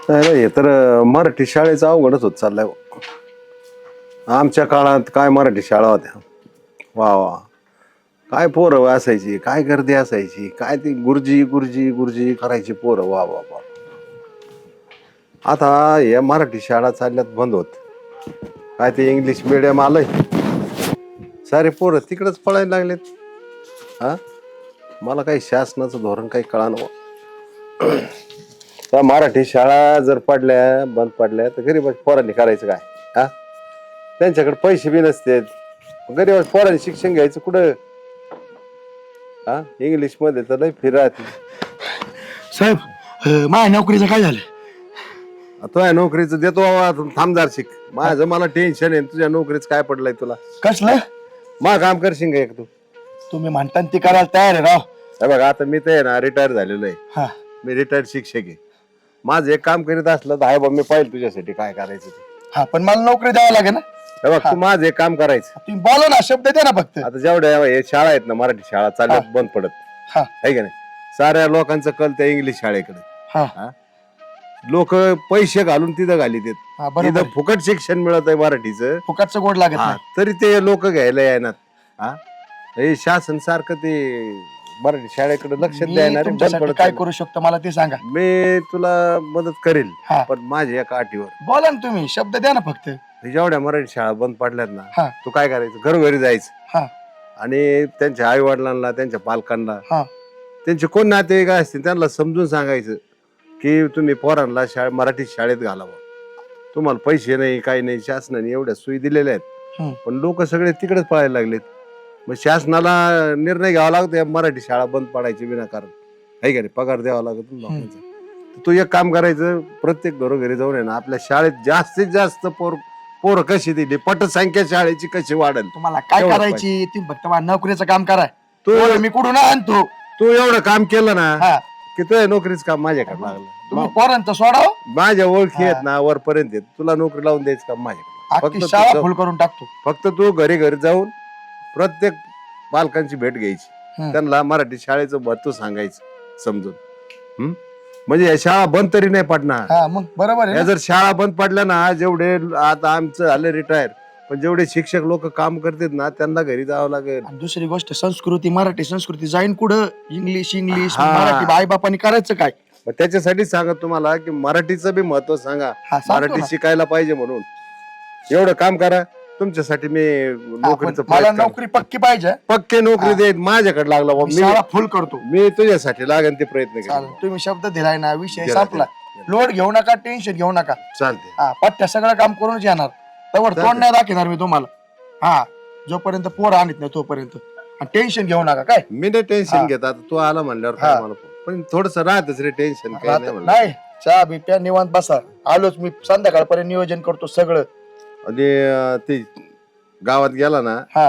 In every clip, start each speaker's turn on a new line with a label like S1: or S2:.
S1: अरे हे तर मराठी शाळेचा अवघडच होत चाललाय. आमच्या काळात काय मराठी शाळा होत्या. वा वा, काय पोरं असायची, काय गर्दी असायची, काय ती गुरुजी गुरुजी गुरुजी करायची पोरं. वा वा वा. आता या मराठी शाळा चालल्यात बंद होत. काय ते इंग्लिश मिडियम आलंय, सारे पोरं तिकडच पळायला लागलेत. हा, मला काही शासनाचं धोरण काही कळानं. त्या मराठी शाळा जर पडल्या बंद पडल्या तर गरीब पोरांनी करायचं काय? हा, त्यांच्याकडे पैसे बी नसते. गरीब पोरांनी शिक्षण घ्यायचं कुठं? हा, इंग्लिश मध्ये तर लय फिरात.
S2: साहेब माझ्या नोकरीचं काय झालं?
S1: तुझ्या नोकरीचं देतो बाबा, थांबदार शिक. माझं मला टेन्शन आहे. तुझ्या नोकरीच काय पडलंय तुला?
S2: कसलं?
S1: मग काम करशील का एक तू?
S2: तुम्ही म्हणता ते करायला तयार आहे राव.
S1: हे बघा, आता मी तर ना रिटायर झालेलो आहे.
S2: हा
S1: मी रिटायर्ड शिक्षक आहे. माझं एक काम करीत असलं तर आहे बा, मी पाहिजे तुझ्यासाठी काय करायचं ते.
S2: हा, पण मला नोकरी द्यावं लागेल ना.
S1: हे बघ, तू माझं एक काम करायचं.
S2: तुम्ही बोला ना, शब्द द्या ना फक्त.
S1: आता जेवढ्या हे शाळा आहेत ना, मराठी शाळा चालल्यात बंद पडत
S2: हा
S1: आहे का नाही? साऱ्या लोकांचं कल त्या इंग्लिश शाळेकडे.
S2: हा
S1: लोक पैसे घालून तिथं घालीत.
S2: हा, बरोबर
S1: तिथं
S2: आहे.
S1: फुकट शिक्षण मिळत आहे मराठीचं.
S2: फुकटचं गोड लागत
S1: हा,
S2: नाही.
S1: तरी ते लोक घ्यायला येणार. हा, हे शासन सारखं ते मराठी शाळेकडे लक्ष
S2: मी
S1: द्यायला बंद
S2: तुमच्यासाठी
S1: पडत
S2: काय
S1: चाललंय.
S2: करू शकतो मला ते सांगा.
S1: मी तुला मदत करेल,
S2: हा.
S1: पण माझ्या एका अटीवर.
S2: बोला ना, तुम्ही शब्द द्या ना फक्त.
S1: जेवढ्या मराठी शाळा बंद पडल्यात ना,
S2: हा
S1: तू काय करायचं? घरोघरी जायचं
S2: हा
S1: आणि त्यांच्या आई वडिलांना, त्यांच्या पालकांना,
S2: हा
S1: त्यांचे कोण नातेवाईक असतील त्यांना समजून सांगायचं की तुम्ही पोरांना मराठी शाळेत घालावं. तुम्हाला पैसे नाही, काही नाही, शासनाने एवढ्या सोयी दिलेल्या आहेत.
S2: हम्म.
S1: पण लोक सगळे तिकडेच पळायला लागलेत. मग शासनाला निर्णय घ्यावा लागतो या मराठी शाळा बंद पडायची विनाकारण. आहे का नाही? पगार द्यावा लागतो लोकांचा. तर तू एक काम करायचं, प्रत्येक घरोघरी जाऊन आहे ना, आपल्या शाळेत जास्तीत जास्त पोरं कशी दिली, पटसंख्या शाळेची कशी वाढेल.
S2: तुम्हाला काय
S1: एवढं
S2: करायची? तुम्ही फक्त माझ्या नोकरीचं काम करा.
S1: तू
S2: मी कुठून आणतो?
S1: तू एवढं काम केलं ना
S2: हा,
S1: की तुझ्या नोकरीच काम माझ्याकडे लागलं.
S2: तुम्ही पोरांत सोडाव.
S1: माझ्या ओळखी आहेत ना, वरपर्यंत आहेत. तुला नोकरी लावून द्यायचं काम माझ्याकडे.
S2: अख्खी शाळा फुल करून टाकतो.
S1: फक्त तू घरी घरी जाऊन प्रत्येक पालकांची भेट घ्यायची,
S2: हम्म.
S1: त्यांना मराठी शाळेचं महत्व सांगायचं समजून. म्हणजे या शाळा बंद तरी नाही पडणार.
S2: हा, मग बरोबर आहे
S1: या
S2: ना?
S1: जर शाळा बंद पडल्या ना, जेवढे आता आमचं झालं रिटायर, पण जेवढे शिक्षक लोक काम करतात ना, त्यांना घरी जावं लागेल.
S2: आणि दुसरी गोष्ट, संस्कृती, मराठी संस्कृती जाईन कुठं? इंग्लिश इंग्लिश
S1: हा.
S2: मराठी आई बापाने करायचं काय?
S1: मग त्याच्यासाठी सांगत तुम्हाला की मराठीचं बी महत्व सांगा,
S2: हा, सांगतो
S1: मराठी
S2: ना.
S1: शिकायला पाहिजे म्हणून. एवढं काम करा तुमच्यासाठी. मी
S2: हा,
S1: नोकरीचं
S2: पण मला
S1: प्रयत्न करतो.
S2: नोकरी पक्की पाहिजे.
S1: पक्के नोकरी देत माझ्याकडे लागला बुवा.
S2: मी शाळा फुल करतो.
S1: मी तुझ्यासाठी लागेल ते प्रयत्न
S2: चालेल,
S1: केले.
S2: तुम्ही शब्द दिलाय ना, विषय
S1: दिला,
S2: संपला. लोड घेऊ नका, टेन्शन घेऊ नका.
S1: चालते.
S2: हा, पट्ट्या सगळं काम करूनच येणार. तवर
S1: चालतंय.
S2: तोंड नाही दाखवणार मी तुम्हाला. हा, जोपर्यंत पोर आणत नाही तोपर्यंत. टेन्शन घेऊ नका काय.
S1: मी नाही टेन्शन
S2: हा.
S1: घेत. आता तू आला म्हणल्यावर
S2: हा.
S1: काय मला पण थोडस राहतच रे टेन्शन. काय नाही म्हणलं.
S2: नाही, चहा बी प्या, निवांत बसा. आलोच मी, संध्याकाळपर्यंत नियोजन करतो सगळं.
S1: आणि ते गावात गेला ना,
S2: हा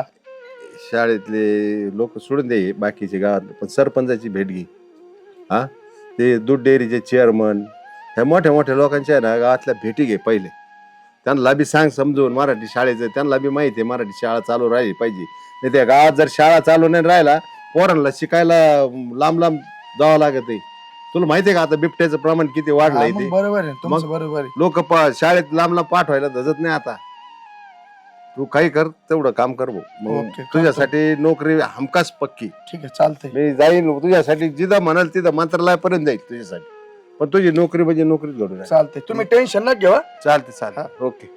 S1: शाळेतले लोक सोडून दे बाकीचे गावात, पण सरपंचाची भेट घे. हा, ते दूध डेअरीचे चेअरमन, ह्या मोठ्या मोठ्या लोकांच्या ना गावातल्या भेटी घे पहिले. त्यांना बी सांग समजून मराठी शाळेचं. त्यांना बी माहिती आहे मराठी शाळा चालू राहिली पाहिजे. नाही त्या गावात जर शाळा चालू नाही राहिला, पोरांना शिकायला लांब लांब जावं लागत आहे. तुला माहितीये का आता बिबट्याचं प्रमाण किती वाढलंय
S2: हा,
S1: ते?
S2: मग बरोबर आहे तुमचं,
S1: मग?
S2: बरोबर आहे.
S1: लोक शाळेत लांब लांब पाठवायला धजत नाही आता. तू काही कर, तेवढं काम कर भाऊ. मग
S2: ओके, करतो.
S1: तुझ्यासाठी नोकरी हमखास पक्की.
S2: ठीक आहे, चालतंय.
S1: मी जाईन तुझ्यासाठी, जिथं म्हणाल तिथं मंत्रालयापर्यंत जाईल तुझ्यासाठी. पण तुझी नोकरी म्हणजे नोकरीच घडून आहे.
S2: चालतंय, तुम्ही टेन्शन न घेवा.
S1: चालते चालते, ओके.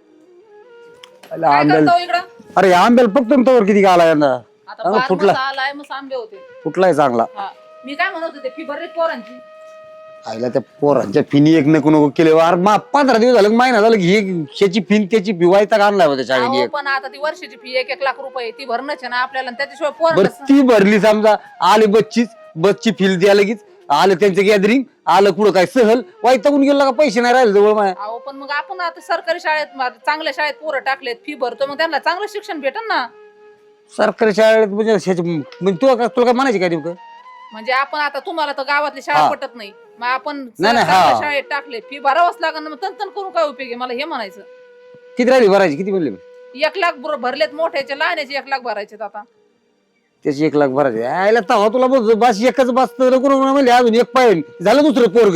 S3: काय करतो इकडं?
S4: अरे आंब्याला फक्त तोवर किती आला यांना.
S3: आता
S4: अहो, फुटला.
S3: बारमास आलाय, मग आंबे होते.
S4: कुठलाय चांगला.
S3: हा, मी काय म्हणत होते, फी भरली पोरांची.
S4: आईला त्या पोरांच्या फिनी एक नको नको केले. अरे 15 दिवस झालं, महिना झालं की ह्याची फिन त्याची भिवायचा आणलाय होता शाळेने.
S3: अहो, पण आता ती वर्षाची फी 1-1 लाख रुपये ती भरणच आहे ना आपल्याला. आणि त्याच्याशिवाय
S4: बरं
S3: पोरांना
S4: ती भरली समजा, आले बसची फील द्या लगेच. आलं त्यांचं गॅदरिंग, आलं कुठं काय सहल वाईटागून गेलं का, पैसे नाही राहिले जवळ माया.
S3: अहो, पण मग आपण आता सरकारी शाळेत, चांगल्या शाळेत पोरं टाकलेत, फी भरतो, मग त्यांना चांगलं शिक्षण भेटन ना.
S4: सरकारी शाळेत म्हणजे म्हणजे तुला काय म्हणायचे काय नेमकं?
S3: म्हणजे आपण आता, तुम्हाला तर गावातली शाळा
S4: हा.
S3: पटत नाही, मग आपण
S4: नाही,
S3: चांगल्या
S4: हा.
S3: शाळेत टाकले, फी भरावंच लागेल ना. मग तंतन करून काय उपयोग आहे? मला हे म्हणायचं.
S4: किती राहिली भरायची? किती भरली?
S3: 1 लाख भरलेत मोठ्याचे, लहान्याचे 1 लाख भरायचे आता.
S4: त्याची 1 लाख भरायची. आयला तवा तुला बस एकच बस तर म्हणजे अजून एक पाहिजे झालं दुसरं पोरगच.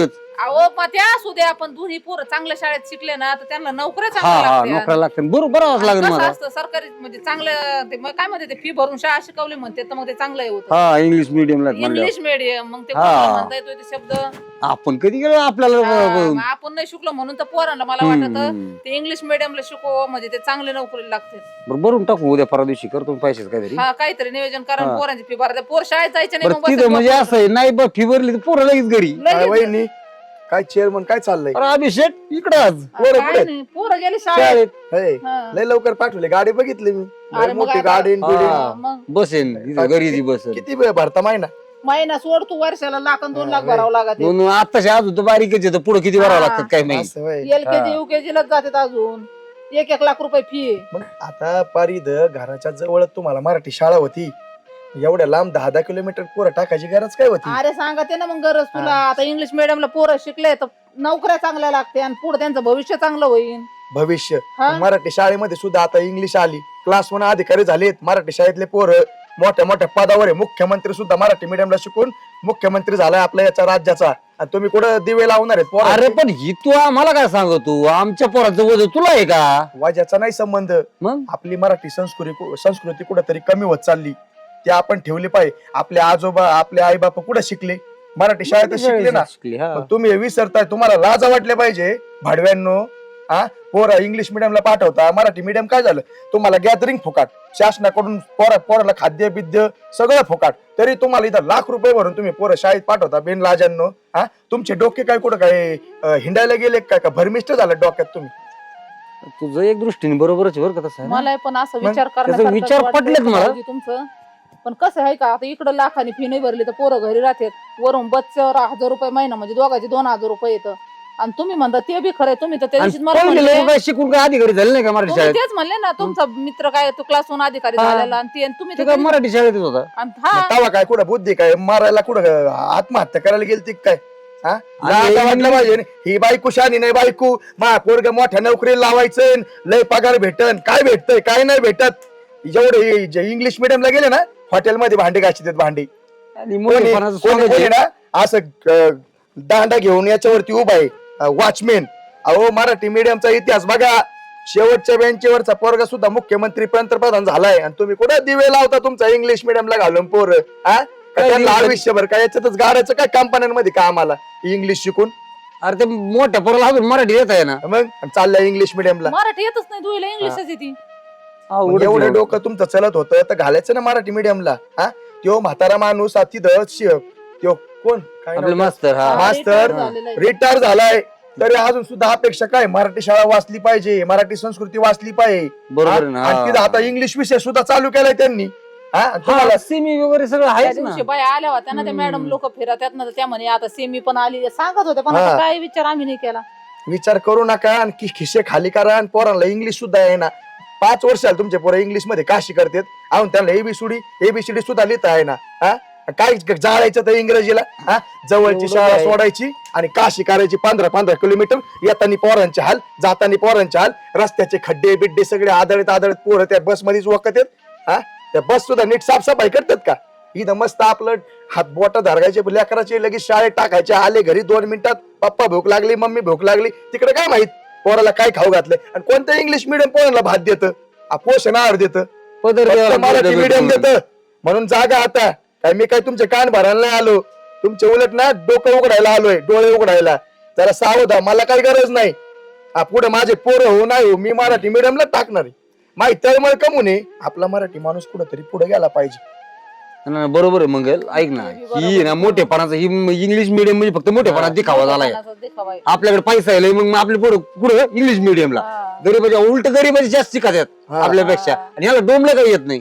S3: अहो मग त्या असू द्या, पण दोन्ही पोरं चांगल्या शाळेत शिकले ना तर त्यांना नोकऱ्या
S4: हा
S3: चांगल्या
S4: हा
S3: लागतात.
S4: नोकऱ्या लागतात बरोबर लागेल
S3: कसं
S4: मला.
S3: असतं सरकारी म्हणजे चांगलं ते मग काय म्हणते ते फी भरून शाळा शिकवली म्हणते तर मग ते चांगलं होतं.
S4: हा इंग्लिश मिडियमला
S3: इंग्लिश मीडियम मग ते
S4: हा.
S3: कोणाला म्हणता येतोय ते शब्द.
S4: आपण कधी गेलो आपल्याला
S3: मग आपण नाही शिकलो म्हणून तर पोरांना मला वाटत
S4: हम्म.
S3: ते इंग्लिश मिडियमला शिकव म्हणजे ते चांगले नोकरीला लागते.
S4: भरून टाकू उद्या परवा दिवशी करतो पैशाच काहीतरी.
S3: हा काहीतरी नियोजन करा
S4: हा.
S3: पोरांची फी भरा पोर शाळेत जायचे नाही
S4: बरं
S3: मग
S4: तिथं म्हणजे असं आहे नाही बघ फी भरली तर पोरं लगेच घरी.
S2: काय वहिनी काय चेअरमन काय चाललंय
S4: अरे अभिषेक इकडे आज
S3: पोरं गेले शाळेत.
S4: शाळेत
S2: हे,
S3: हा.
S2: लय लवकर पाठवले गाडी बघितली मी लय
S3: अरे मग
S2: मोठी
S3: आता-
S2: गाडी
S4: हा.
S3: मग
S4: बसेन तिथं घरी ती बसेन.
S2: किती वेळ भरता महिना
S3: महिना सोड तू वर्षाला लाख आणि 2 लाख भरावं लागत
S4: म्हणून आताशी अजून तर बारीकच येतं पुढे किती भरावं
S3: हा.
S4: लागतात काय माहिती.
S2: असं होय.
S3: एलकेजी युकेजी लाच जातात अजून 1-1 लाख रुपये फी.
S2: मग आता पारिद घराच्या जवळ तुम्हाला मराठी शाळा होती एवढ्या लांब 10-10 किलोमीटर पोरं टाकायची गरज काय होती
S3: अरे सांगते ना मग गरज तुला आता इंग्लिश मिडियमला पोरं शिकले तर नोकऱ्या चांगल्या लागते आणि पुढे त्यांचं भविष्य चांगलं होईल.
S2: भविष्य
S3: हा?
S2: मराठी शाळेमध्ये सुद्धा आता इंग्लिश आली क्लास 1 अधिकारी झालेत मराठी शाळेतले पोरं मोठ्या मोठ्या पदावर आहे मुख्यमंत्री सुद्धा मराठी मीडियमला शिकून मुख्यमंत्री झालाय आपल्या याच्या राज्याचा आणि तुम्ही कुठं दिवे लावणार आहेत
S4: अरे
S2: पोरं
S4: पण ही तू आम्हाला काय सांगतो आमच्या पोराचं वजन तुला आहे का
S2: वाजाचा नाही संबंध
S4: मग
S2: आपली मराठी संस्कृती कुठेतरी कमी होत चालली ते आपण ठेवली पाहिजे आपले आजोबा आपले आई बाप कुठे शिकले मराठी शाळेत शिकले ना
S4: शिकली, हा.
S2: मग तुम्ही हे विसरताय तुम्हाला लाज वाटले पाहिजे भाडव्यांनो हा पोरं इंग्लिश मिडियमला पाठवता मराठी मिडियम काय झालं तुम्हाला गॅदरिंग फुकाट शासनाकडून पोराला खाद्य बिद्य सगळं फुकाट तरी तुम्हाला इथं लाख रुपये भरून तुम्ही पोरं शाळेत पाठवता बिन लाजांनो हा तुमचे डोके काय कुठं काय हिंडायला गेले काय का भरमिष्ट झालं डोक्यात तुम्ही
S4: तुझं एक दृष्टीने बरोबरच आहे बरं का तसं आहे ना?
S3: मला पण असं
S2: मग
S3: विचार
S4: त्याचे विचार पटलेत मला.
S3: तुमचं पण कसं आहे का आता इकडं लाखाने फी नाही भरली तर पोरं घरी राहतात वरून बच्च्यावर 1000 रुपये महिना म्हणजे दोघांचे 2000 रुपये येतं आणि तुम्ही म्हणता ते बी खरंय तुम्ही तर त्या
S4: आणि
S3: दिवशीच मला
S4: पहिले
S3: म्हणले,
S4: लोकं काय शिकून काय अधिकारी झाले नाही का मराठी
S3: तुम्ही
S4: शाळेत
S3: तेच म्हणले ना तुमचा मित्र काय तो क्लास 1 अधिकारी
S4: हा.
S3: झालेला आणि ते तुम्ही
S4: ते
S3: तर
S4: काय मराठी शाळेतच होता
S3: आणि हा
S2: तवा काय कुठं बुद्धी काय मारायला कुठं आत्महत्या करायला गेलती काय हा
S4: आणि
S2: लाज वाटलं पाहिजे ना. ही बायको शानी नाही बायको मा पोरग मोठ्या नोकरीला लावायचं लय पगार भेटन काय भेटतंय काय नाही भेटत जेवढे इंग्लिश मिडियमला गेले ना हॉटेलमध्ये भांडे घासतात भांडी
S4: आणि
S2: कोणी
S4: मोठेपणाचं
S2: कोणी-
S4: स्वागत
S2: कोणी
S4: आहे.
S2: ना असं दांडा घेऊन याच्यावरती उभा आहे वॉचमॅन अहो मराठी मीडियमचा इतिहास बघा शेवटच्या बेंचवरचा पोरगा सुद्धा मुख्यमंत्री पंतप्रधान झालाय आणि तुम्ही कुठं दिवे लावता तुमचा इंग्लिश मिडियमला घालून पोरं हा
S4: काय
S2: त्यांना
S4: दिवस-
S2: आयुष्यभर काय याच्यातच गाडायचं काय कंपन्यांमध्ये का आम्हाला इंग्लिश शिकून
S4: अरे ते मोठ्या पोराला अजून मराठी येत आहे ना
S2: मग आणि चाललंय इंग्लिश मिडियमला
S3: मराठी येतच नाही दुईला इंग्लिशच येते.
S4: अवघडच
S2: एवढं
S4: आहे.
S2: डोकं तुमचं चलत होतं तर घालायचं ना मराठी मिडियमला हा त्यो म्हातारा माणूस तिथं त्यो कोण काय
S4: आपले
S2: नाव?
S4: मास्तर हा
S3: हा.
S2: मास्तर
S3: retire झालेला आहे.
S2: रिटायर झालाय तरी अजून सुद्धा अपेक्षा काय मराठी शाळा वाचली पाहिजे मराठी संस्कृती वाचली पाहिजे
S4: बरोबर आहे ना.
S2: हा? आणि तिथं आता इंग्लिश विषय सुद्धा चालू केलाय त्यांनी हा आणि तुम्हाला
S4: हा, सेमी वगैरे सगळं
S3: त्या
S4: आहेच ना
S3: दिवशी बाया आल्या होत्या ना त्या मॅडम लोक फिरत ना त्या म्हणे आता सेमी पण आली सांगत होते पण
S2: हा.
S3: आता काय विचार आम्ही नाही केला.
S2: विचार करू नका आणि खिशे खाली करा आणि पोरांना इंग्लिश सुद्धा आहे ना 5 वर्षाला तुमचे पोरं इंग्लिश मध्ये काशी करतात अहो त्यांना एबीसीडी सुद्धा लिहिता आहे ना हा काय जाळायचं तर इंग्रजीला हा जवळची
S4: एवढं
S2: शाळा
S4: काय?
S2: सोडायची आणि काशी करायची 15-15 किलोमीटर येतानी पोरांचे हाल जातानी पोरांचे हाल रस्त्याचे खड्डे बिड्डे सगळे आदळत पोरं त्या बस मध्येच वखत आहेत हा त्या बस सुद्धा नीट साफसफाई करतात का इथं मस्त आपलं हात बोट धरगायचे लेकराचे लगेच शाळेत टाकायचे आले घरी 2 मिनिटात पप्पा भूक लागली मम्मी भूक लागली तिकडे काय माहित पोराला काय खाऊ घातलंय आणि कोणतं इंग्लिश मिडियम पोराला भात देतं पोषण आहार देतं
S4: पदर
S2: फक्त
S4: द्यावा
S2: मराठी
S4: लागतो.
S2: मिडियम देतं म्हणून जागा आता काय मी काय तुमचे कान भरायला नाही आलो तुमचे उलट ना डोकं उघडायला आलोय डोळे उघडायला जरा सावध मला काही गरज नाही पुढे माझे पोरं हो नाही हो मी मराठी मिडियमला टाकणार आहे माहिती तळमळ कमू नये आपला मराठी माणूस कुठेतरी पुढे गेला पाहिजे
S4: नाही, बरोबर आहे मंगल ऐक ना ही ना मोठेपणाचं ही इंग्लिश मिडियम म्हणजे फक्त मोठेपणा दिखावा झालाय
S3: कोणाचा देखावा आहे.
S4: आपल्याकडे पैसा आहे मग आपले पोरं कुठं इंग्लिश मिडियमला
S3: हा.
S4: गरीबाच्या उलट गरीबाचे जास्त शिकतात
S2: हा.
S4: आपल्यापेक्षा आणि याला डोमलं काही येत नाही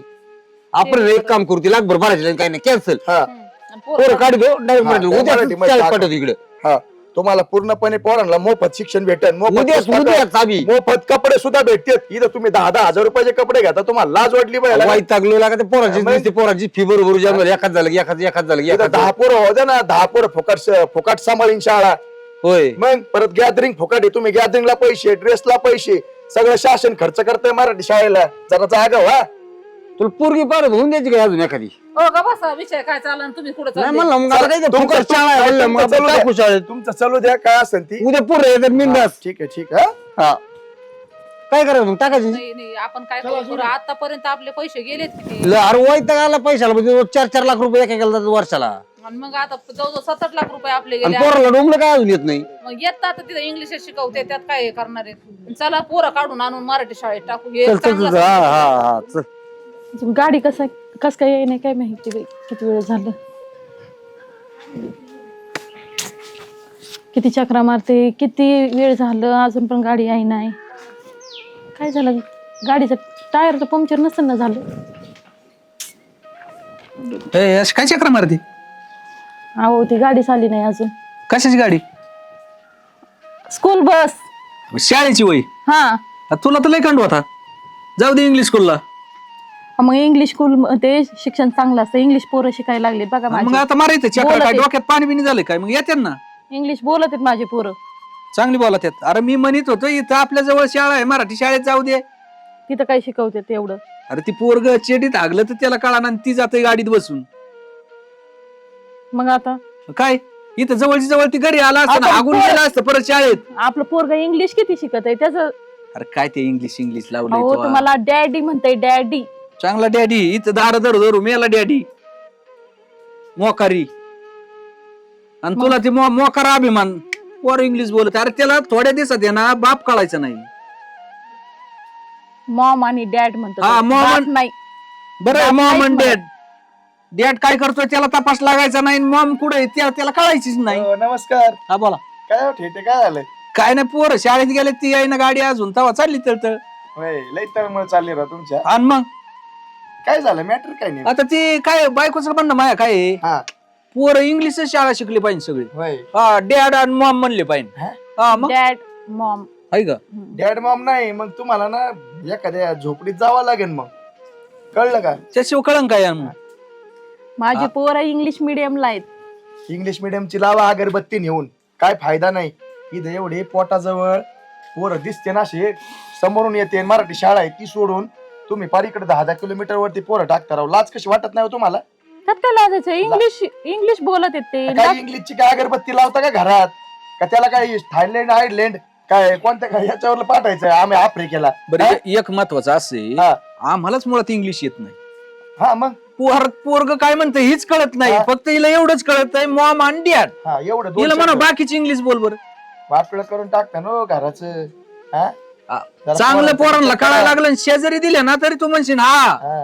S4: आपण एक काम करू ती लाखभर भरायचे काही नाही कॅन्सल
S2: हा
S3: आणि पोरं
S4: पोरं काढ दो
S2: हा, मराठी मध्ये टाका.
S4: पाठवतो इकडे
S2: हा तुम्हाला पूर्णपणे पोरांना मोफत शिक्षण भेटेल मोफत पुस्तकं,
S4: उद्या चाबी
S2: मोफत कपडे सुद्धा भेटतात इथं तुम्ही 10-10 हजार रुपयाचे कपडे घेता तुम्हाला लाज वाटली पाहिजे
S4: वाईट लागलो लागा ते पोरांची
S2: मग?
S4: नुसती पोरांची फी बरोबर जमलं एखाद झालं की एखाद झालं की
S2: इथं
S4: एखाद
S2: 10 पोरं होते ना 10 पोरं फुकट सांभाळीन शाळा
S4: होय
S2: मग परत गॅदरिंग फुकट आहे तुम्ही गॅदरिंगला पैसे ड्रेसला पैसे सगळं शासन खर्च करतंय मराठी शाळेला जरा जागा व्हा
S4: तुला पोरगी परत होऊन द्यायची काय अजून एखादी?
S3: हो का बसा विषय काय चालला आणि तुम्ही कुठे
S4: नाही म्हणलं मग आता काय ते
S2: तुमचं-
S4: फुकट शाळा आहे म्हणलं, मग
S2: तुमचं
S4: आपण
S2: चालू
S4: टाकू
S2: द्या.
S4: शाळेत.
S2: तुमचं चालू द्या काय असेल ती.
S4: उद्या पोरं येतात मिंडास.
S2: ठीक आहे ठीक आहे.
S4: हा काय करायचं मग टाकायची?
S3: नाही नाही आपण काय करू बरं, आतापर्यंत आपले पैसे गेलेत किती
S4: अरे वैताग आला पैशाला म्हणजे 4-4 लाख रुपये एकेकाला जातात वर्षाला.
S3: आणि मग आता जवळजवळ 7-8 लाख रुपये आपले
S4: आणि
S3: गेले
S4: पोराला डोंबलं काय अजून येत नाही.
S3: मग येतात आता तिथे इंग्लिश शिकवते त्यात काय हे करणार आहेत चला पोरं काढून आणून मराठी शाळेत टाकू हे
S4: चल चल
S3: चांगलं
S4: चल. हा
S3: सांगितलं.
S4: हा हा चल.
S5: गाडी कस काय येई नाही काय माहिती बाई किती वेळ झालं किती चक्रा मारते किती वेळ झालं अजून पण गाडी आहे नाही काय झालं गाडीचं टायर तर पंक्चर नसेल ना झालं
S6: अशी काय चक्र मारती?
S5: अहो ती गाडीच आली नाही अजून
S6: कशाची गाडी?
S5: स्कूल बस
S6: शाळेची वय.
S5: हा
S6: तुला तर लय कंड होता. जाऊ दे इंग्लिश स्कूलला.
S5: मग इंग्लिश स्कूल ते शिक्षण चांगलं असतं इंग्लिश पोरं शिकायला लागले बघा
S6: मग
S5: माझी
S6: आता मारायचं चक्र
S5: बोला
S6: काय
S5: ते.
S6: डोक्यात पाणी बिनी झालं काय? मग येते ना
S5: इंग्लिश बोलत आहेत माझे पोरं
S6: चांगली बोला त्यात. अरे मी म्हणत होतो इथं आपल्या जवळ शाळा आहे मराठी शाळेत जाऊ दे.
S5: तिथं काय शिकवते तेवढं
S6: अरे ती पोरग चेडीत हागलं तर त्याला कळा आणि ती जाते गाडीत बसून.
S5: मग आता
S6: काय इथं जवळची जवळ ती घरी आला असतं
S5: आता
S6: हागून
S5: पोर-
S6: गेला असतं परत शाळेत.
S5: आपलं पोरग इंग्लिश किती शिकत आहे त्याचं
S6: अरे काय ते इंग्लिश इंग्लिश
S5: अहो
S6: लावलंय
S5: तुम्हाला डॅडी म्हणताय डॅडी
S6: चांगला डॅडी इथं दार धरू धरू मेला डॅडी मोकारी. आणि तुला ती मोकारा अभिमान पोर इंग्लिश बोलत. अरे त्याला थोड्या दिवसात आहे ना बाप कळायचा नाही.
S5: मॉम आणि डॅड म्हणतो
S6: हा,
S5: तो.
S6: mom
S5: बाप
S6: आणि-
S5: नाही
S6: बरं
S5: बाप
S6: मॉम
S5: नाहीच
S6: आणि
S5: म्हणत.
S6: डॅड. डॅड काय करतोय त्याला तपास लागायचा नाही. मॉम कुठे त्याला कळायचीच नाही.
S2: हो, नमस्कार.
S6: हा बोला.
S2: काय हो, ठेटे काय झालंय?
S6: काय नाही पोरं शाळेत गेले ती आहे ना गाडी अजून तवा चालली तर
S2: होय लई तळमळ चालली राव तुमच्या.
S6: आणि मग
S2: काय झालं मॅटर काय नाही?
S6: आता ती काय बायकोचं म्हणणं माया काय आहे,
S2: हा
S6: पोरं इंग्लिश शाळा शिकली पाहिजे सगळी.
S2: होय.
S6: हा डॅड आणि मॉम म्हणले पाहिजे.
S2: हा?
S6: हा मग
S5: डॅड मॉम
S6: आहे का?
S2: डॅड मॉम नाही मग तुम्हाला ना एखाद्या झोपडीत जावं लागेल मग कळलं का?
S6: त्याशिवाय कळंन काय आणि मग?
S5: माझे पोरं इंग्लिश मिडियमला आहेत
S2: इंग्लिश मिडियमची लावा अगरबत्ती नेऊन काय फायदा नाही. इथं एवढे पोटाजवळ पोरं दिसते ना असे समोरून येते मराठी शाळा आहे ती सोडून तुम्ही पार इकडे 10 किलोमीटर वरती पोरं टाकता राव. लाज कशी वाटत नाही हो तुम्हाला?
S5: त्यात काय लाजायचं इंग्लिश बोलत आहेत ते
S2: काय इंग्लिशची काय अगरबत्ती लावता का घरात? का त्याला काय थायलंड आयर्लंड काय कोणत्या काय याच्यावर पाठायचं आम्ही आफ्रिकेला?
S6: बरं एक महत्वाचं असे
S2: हा.
S6: आम्हालाच मुळात इंग्लिश येत नाही.
S2: हा मग
S6: पोरग काय म्हणतं हीच कळत नाही.
S2: हा.
S6: फक्त हिला एवढंच कळत आहे मॉम आणि डॅड.
S2: हा एवढं
S6: हिला म्हणा
S2: दोन
S6: बाकीची इंग्लिश बोल बरं.
S2: वाटलं करून टाकता ना घराचं. हा जरा
S6: चांगलं पोरांना
S2: पोरांचं
S6: कळायला लागलं आणि शेजारी दिले ना तरी तू म्हणशील हा
S2: हा.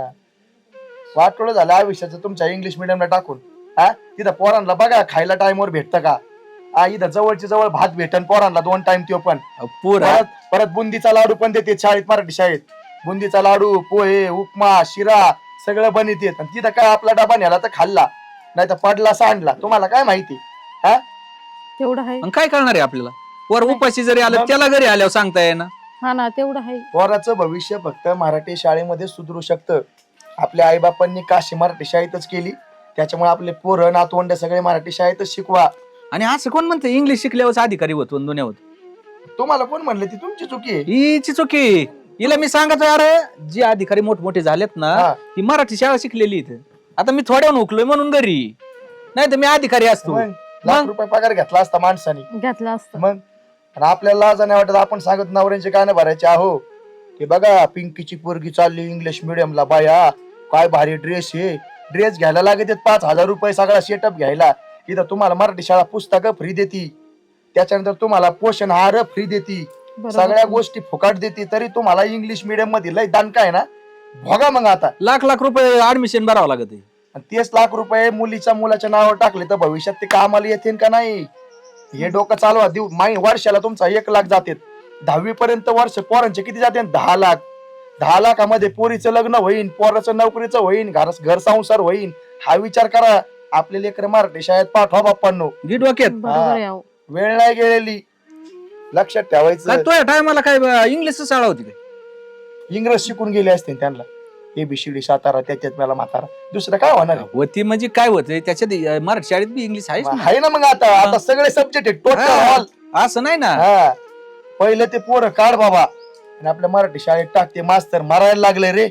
S2: वाटोळं झालं आयुष्याचं तुमच्या इंग्लिश मिडियमला टाकून. हा तिथं पोरांना बघा खायला टाइमवर भेटतं का? हा इथं जवळची जवळ भात भेटन पोरांना 2 टाइम त्यो पण.
S6: पोर
S2: परत बुंदीचा लाडू पण देते शाळेत मराठी शाळेत. बुंदीचा लाडू पोहे उपमा शिरा सगळं बनवत येत. आणि तिथं काय आपला डबा नेला तर खाल्ला नाही तर पडला सांडला. तुम्हाला काय माहिती? हा
S5: तेवढं आहे
S6: मग काय करणार आहे आपल्याला? वर उपाशी जरी आलं त्याला घरी आल्यावर सांगता येईना.
S5: हा ना तेवढं आहे
S2: पोराचं भविष्य फक्त मराठी शाळेमध्ये सुधरू शकतं. आपल्या आईबापांनी काशी मराठी शाळेतच केली त्याच्यामुळे आपले पोरं नातवंड सगळे मराठी शाळेतच शिकवा.
S6: आणि असं कोण म्हणतं इंग्लिश शिकल्यावर अधिकारी होतो दुनिया होत?
S2: तुम्हाला कोण म्हणले ती तुमची चुकी आहे.
S6: हिची चुकी. हिला मी सांगतो अरे जे अधिकारी मोठमोठे झालेत ना
S2: हा.
S6: ही मराठी शाळा शिकलेली इथं. आता मी थोड्याहून उकलोय म्हणून घरी नाही तर मी अधिकारी असतो.
S2: मग लाख रुपये पगार घेतला असता माणसाने
S5: घेतलं असतं
S2: मग. आणि आपल्याला लाज नाही वाटत आपण सांगत नवऱ्यांचे गाणं भरायचे आहो की बघा पिंकीची पोरगी चालली इंग्लिश मिडियमला बाया काय भारी ड्रेस आहे. ड्रेस घ्यायला लागत 5,000 रुपये सगळा सेटअप घ्यायला. इथं तुम्हाला मराठी शाळा पुस्तकं फ्री देती त्याच्यानंतर तुम्हाला पोषण आहार फ्री देती
S5: बरोबर.
S2: सगळ्या गोष्टी फुकाट देते तरी तुम्हाला इंग्लिश मिडियम मध्ये लय दान आहे ना भोगा मग आता.
S6: लाख लाख रुपये ऍडमिशन भरावं लागत आहे.
S2: आणि 30 लाख रुपये मुलाच्या नावावर टाकले तर भविष्यात ते कामाला येतील का नाही हे डोकं चालवा. वर्षाला तुमचा 1 लाख जाते. 10वी पर्यंत वर्ष पोरांचे किती जाते? 10 लाख. 10 लाखामध्ये पोरीचं लग्न होईन पोराचं नोकरीचं होईन घर संसार होईन. हा विचार करा. आपले लेकर मराठी शाळेत पाठवा बाप्पांनो.
S6: गी डोक्यात
S5: बरोबर आहे अहो.
S2: वेळ नाही गेलेली लक्षात
S6: काय
S2: ठेवायचं.
S6: तो टायमाला काय इंग्लिश शाळा होती काय?
S2: इंग्रज शिकून गेले असते त्यांना ABCD सातारा त्याच्यात मला म्हातारा दुसरं काय होणार आहे?
S6: होती म्हणजे काय होतंय त्याच्यात मराठी शाळेत बी इंग्लिश आहेच ना.
S2: आहे ना मग आता सगळे सब्जेक्ट आहे टोटल
S6: हा.
S2: ऑल.
S6: असं नाही ना.
S2: हा पहिले ते पोरं काढ बाबा आणि आपल्या मराठी शाळेत टाकते. मास्तर मारायला लागले रे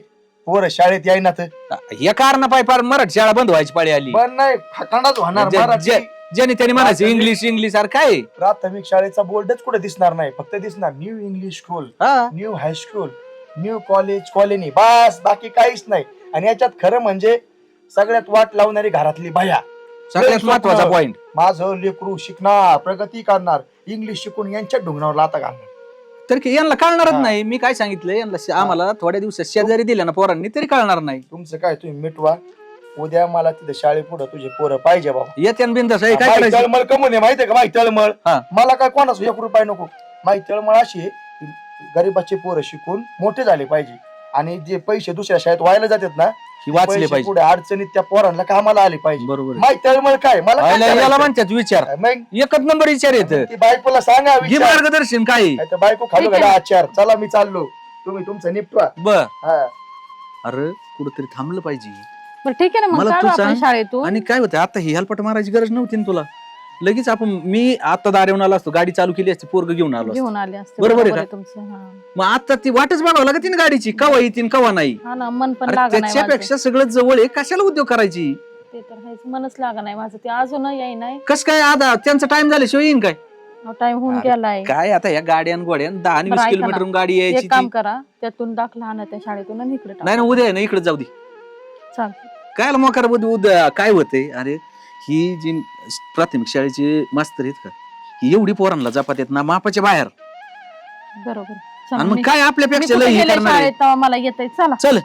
S2: पोरं शाळेत यायना तर
S6: या कारण पाय फार मराठी शाळा बंद व्हायची पाळी आली
S2: पण नाही खकांडाच होणार मराठी.
S6: ज्याने त्याने म्हणायचं इंग्लिश इंग्लिश अरे काय
S2: प्राथमिक शाळेचा बोर्डच कुठे दिसणार नाही, फक्त दिसणार न्यू इंग्लिश स्कूल,
S6: हा
S2: new high school, new college, colony, बस बाकी काहीच नाही. आणि याच्यात खरं म्हणजे सगळ्यात वाट लावणारी घरातली बाया.
S6: सगळ्यात महत्वाचा पॉइंट.
S2: माझं लेकरू शिकणार, प्रगती करणार, इंग्लिश शिकून यांच्या ढुंगणावर लाता घालणार.
S6: तर की यांना कळणारच
S2: हा.
S6: नाही. मी काय सांगितलं यांना आम्हाला थोड्या दिवसात शेजारी दिल्या ना पोरांनी तरी कळणार नाही.
S2: तुमचं काय तुम्ही मिटवा, उद्या मला तिथे शाळेपुढे तुझे पोरं पाहिजे बाबा.
S6: येत्या बिंदास काय
S2: माई
S6: करायचं
S2: तळमळ कमून आहे माहितीये का, माई तळमळ.
S6: हा.
S2: मला काय कोणाचं 1 रुपया नको. माई तळमळ अशी आहे, गरीबाचे पोरं शिकून मोठे झाले पाहिजे आणि जे पैसे दुसऱ्या शाळेत व्हायला जातात ना,
S6: ही वाचले
S2: पैसे
S6: पाहिजे.
S2: पुढे अडचणीत त्या पोरांना कामाला आले पाहिजे.
S6: बरोबर आहे.
S2: माई तळमळ काय मला काय
S6: याला
S2: करायचं?
S6: म्हणतात विचार
S2: मग
S6: एकच नंबर विचार येत
S2: ती बायकोला सांगा
S6: घे
S2: विचार.
S6: मार्गदर्शन काय
S2: नाही तर बायको खालू घाला आचार, चला मी चाललो, तुम्ही तुमचं निपटवा.
S6: बर.
S2: हा.
S6: अरे कुठंतरी थांबलं पाहिजे.
S5: बरं ठीक आहे ना, मग
S6: मला
S5: काढू
S6: तू
S5: आपण
S6: सांग.
S5: शाळेतून.
S6: आणि काय होतं आता ही हेल्पट मारायची गरज नव्हती ना तुला. लगेच आपण मी आता दार येऊन आलो असतो, गाडी चालू केली असती, पोरग घेऊन आलो असतो.
S5: घेऊन आले असते.
S6: बरोबर आहे का?
S5: तुमचं. हा.
S6: मग आता ती वाटच बघावं लागत ना गाडीची, कवा येतील कवा नाही.
S5: हा ना, मन पण
S6: अरे
S5: लागा नाही माझं.
S6: त्याच्यापेक्षा सगळं जवळ आहे, कशाला उद्योग करायची.
S5: ते तर आहेच, मनच लागा नाही माझं. ते अजून येई नाही.
S6: कस काय आता त्यांचा टाइम झाल्याशिवाय येईन काय.
S5: टाइम होऊन
S6: अरे,
S5: गेलाय.
S6: काय आता या गाड्यान गोड्यान 10 आणि
S5: बरं,
S6: 20
S5: ऐका
S6: किलोमीटर
S5: ना.
S6: गाडी यायची
S5: एक काम
S6: ती.
S5: करा, त्यातून दाखला आणा त्या शाळेतून आणि इकडे
S6: नाही ना उद्या आहे ना इकडे जाऊ दे.
S5: चालतं.
S6: काय मोकार उद्या काय होते. अरे ही जी प्राथमिक शाळेची मास्तर आहेत का, ही एवढी पोरांना जपात येत ना मापाच्या बाहेर.
S5: बरोबर.
S6: आणि
S5: चला,
S6: मग
S5: मी-
S6: काय
S5: मी
S6: आपल्यापेक्षा
S5: कुठे
S6: लय हे
S5: गेले
S6: करणार आहे.
S5: शाळेत तेव्हा मला येत आहे. चला.
S6: चल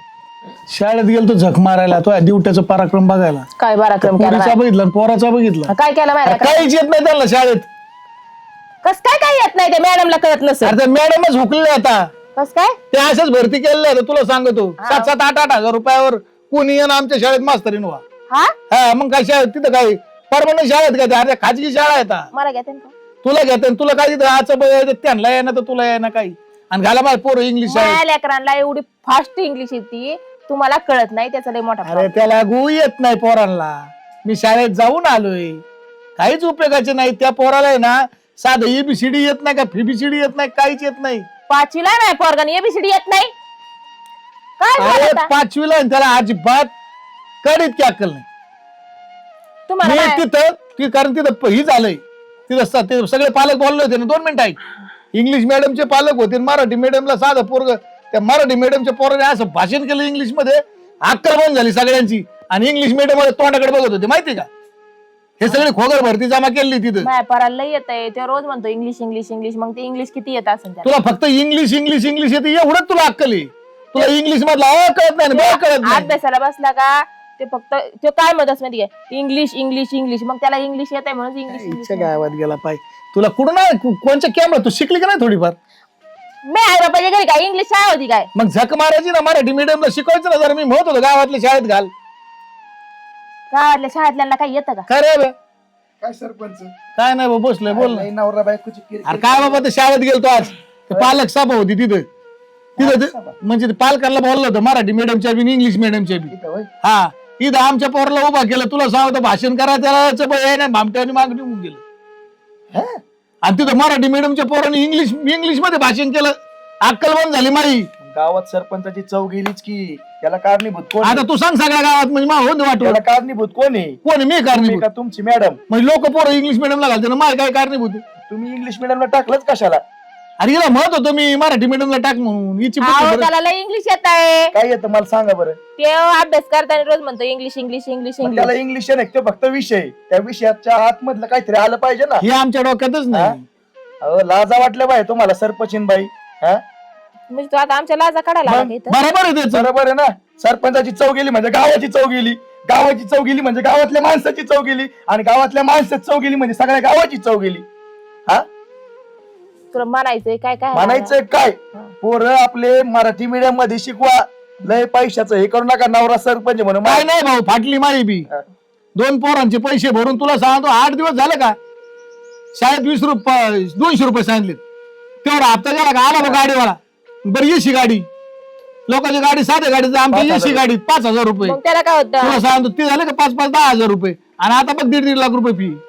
S7: शाळेत गेलो तो झक मारायला, तो ड्युट्याचा पराक्रम बघायला.
S8: काय पराक्रम केला
S7: पोरीचा बघितला आणि पोराचा बघितला.
S8: काय केला
S7: अरे
S8: माहिती
S7: काहीच येत नाही त्यांना शाळेत.
S8: कस काय काय येत नाही ते मॅडमला कळत नसेल.
S7: अरे मॅडमच हुकले आता.
S8: कस काय
S7: ते अशाच भरती केलेल्या आहेत, तुला सांगतो. 7-7, 8-8 हजार रुपयावर कोणी येणं आमच्या शाळेत मास्तरीन व्हा.
S8: हा
S7: हा मग काय शाळेत तिथं काय परमनंट शाळेत काय अरे खाजगी शाळा आहे आता.
S8: मला घेते का
S7: तुला घेते तुला काय तिथं आजचं त्यांना येणं तर तुला येणं काही. आणि घाला माझ्या पोरं इंग्लिश शाळेत.
S8: माझ्या लेकरांना एवढी फास्ट इंग्लिश येते, तुम्हाला कळत नाही, त्याचा लय मोठा
S7: अरे
S8: problem.
S7: त्याला गु येत नाही पोरांना. मी शाळेत जाऊन आलोय, काहीच उपयोगाचे नाही. त्या पोराला आहे ना साधं एबीसीडी येत नाही का, फिबीसीडी येत नाही, काहीच येत नाही.
S8: 5वीला नाही पोरगाने एबीसीडी येत नाही. काय झालं
S7: अरे
S8: आता?
S7: 5वीला आहे, त्याला अजिबात कडीत की अक्कल नाही.
S8: तुम्हाला
S7: मी
S8: नाही-
S7: तिथं कारण तिथं ही झालंय तिथं ते सगळे पालक बोलले होते ना. 2 मिनिटं ऐक. इंग्लिश मिडियमचे पालक होते आणि मराठी मिडियमला साधं पोरग, त्या मराठी मिडियमच्या पोराने असं भाषण केलं इंग्लिश मध्ये, अक्कल बंद झाली सगळ्यांची. आणि इंग्लिश मिडियम मध्ये तोंडाकडे बघत होते माहिती का. हे सगळे खोगर भरती जमा केली तिथं.
S8: माझ्या पोराला लय येत आहे, ते रोज म्हणतो इंग्लिश इंग्लिश इंग्लिश. मग ते इंग्लिश किती येत असेल त्याला?
S7: तुला फक्त इंग्लिश इंग्लिश इंग्लिश येते एवढंच तुला अक्कल आहे. तुला इंग्लिश मधला अ कळत नाही ब कळत नाही.
S8: अभ्यासाला बसला का ते फक्त तो काय म्हणत माहिती आहे, इंग्लिश इंग्लिश इंग्लिश. मग त्याला इंग्लिश येत आहे म्हणून इंग्लिश इंग्लिश
S7: इच्छा गावात गेला पाहिजे. तुला कुठं नाही कोणच्या कॅमेरा तू शिकली का नाही थोडीफार.
S8: मी आई बापाच्या घरी काय इंग्लिश शाळा होती काय?
S7: मग झक मारायची ना, मराठी मिडियमला शिकवायचं ना. जरा मी म्हणत होतो गावातल्या शाळेत घाल.
S8: गावातल्या शाळेतल्यांना काय येतं का?
S7: काय रे बे?
S2: काय सरपंच
S7: काय नाही बा, बसलोय बोल ना.
S2: नाही, नवरा बायकोची किरकिर.
S7: अरे काय बाबा ते शाळेत गेलतो आज. ते पालक सभा होती तिथं म्हणजे ते पालकांना बोललं होतं मराठी मिडियमच्या बी इंग्लिश मिडियमच्या बी.
S2: इथं होय.
S7: हा इथं आमच्या पोराला उभा केलं. तुला सांगतो भाषण करा त्याला भामट्याने मागणी होऊन गेलं.
S2: हा?
S7: आणि तिथं मराठी मिडियमच्या पोरांनी इंग्लिश मध्ये भाषण केलं. अक्कल बंद झाली माई.
S2: गावात सरपंचाची चव गेलीच की. त्याला कारणीभूत कोण आहे?
S7: आता तू सांग सगळ्या गावात म्हणजे मा होत वाटू
S2: त्याला कारणीभूत कोण आहे?
S7: कोण मी
S2: तुम्ही
S7: कारणीभूत
S2: का तुमची मॅडम?
S7: म्हणजे लोक पोरं इंग्लिश मिडियमला घालते ना, माय काय कारणीभूत आहे?
S2: तुम्ही इंग्लिश मिडियमला टाकलंच कशाला?
S7: अरे हिला म्हणत होतो मी मराठी मिडियमला टाक म्हणून. हिची बुद्धी
S8: अहो,
S7: बरं-
S8: त्याला लय इंग्लिश येत आहे.
S2: काय येतं मला सांगा बरं.
S8: ते अभ्यास करताना रोज म्हणतो इंग्लिश इंग्लिश इंग्लिश
S2: मग त्याला
S8: इंग्लिश.
S2: इंग्लिश आहे ना, तो फक्त विषय. त्या विषयाच्या आतमधलं काहीतरी आलं पाहिजे ना.
S7: हे आमच्या डोक्यातच नाही.
S2: अहो, लाजा वाटल्या बाई तुम्हाला सरपंचीन बाई. हा?
S8: म्हणजे तू आता आमच्या लाजा काढायला आला का इथं?
S7: बरोबर आहे त्याचं.
S2: बरोबर आहे ना. सरपंचाची चव गेली म्हणजे गावाची चव गेली. गावाची चव गेली म्हणजे गावातल्या माणसाची चव गेली. आणि गावातल्या माणसाची चव गेली म्हणजे सगळ्या गावाची चव गेली. हा
S8: तुला म्हणायचंय काय काय?
S2: म्हणायचं काय, पोरं आपले मराठी मीडियम मध्ये शिकवा. लय पैशाचं हे करू नका. नवरा सरपंच म्हणून
S7: काय नाही भाऊ, फाटली माई बी.
S2: हा.
S7: 2 पोरांचे पैसे भरून तुला सांगतो 8 दिवस झाले का शाळेत 20 रुपये 200 रुपये सांगितले. तेवढा हप्ता गेला का आला गाडीवाला. बरं एसी गाडी, लोकांची गाडी साध्या गाडीचं, आमची एसी गाडी 5,000 रुपये.
S8: मग त्याला काय होतं?
S7: तुला सांगतो ते झाले का 5-5, 10,000 रुपये. आणि आता बघ 1.5 लाख रुपये फी.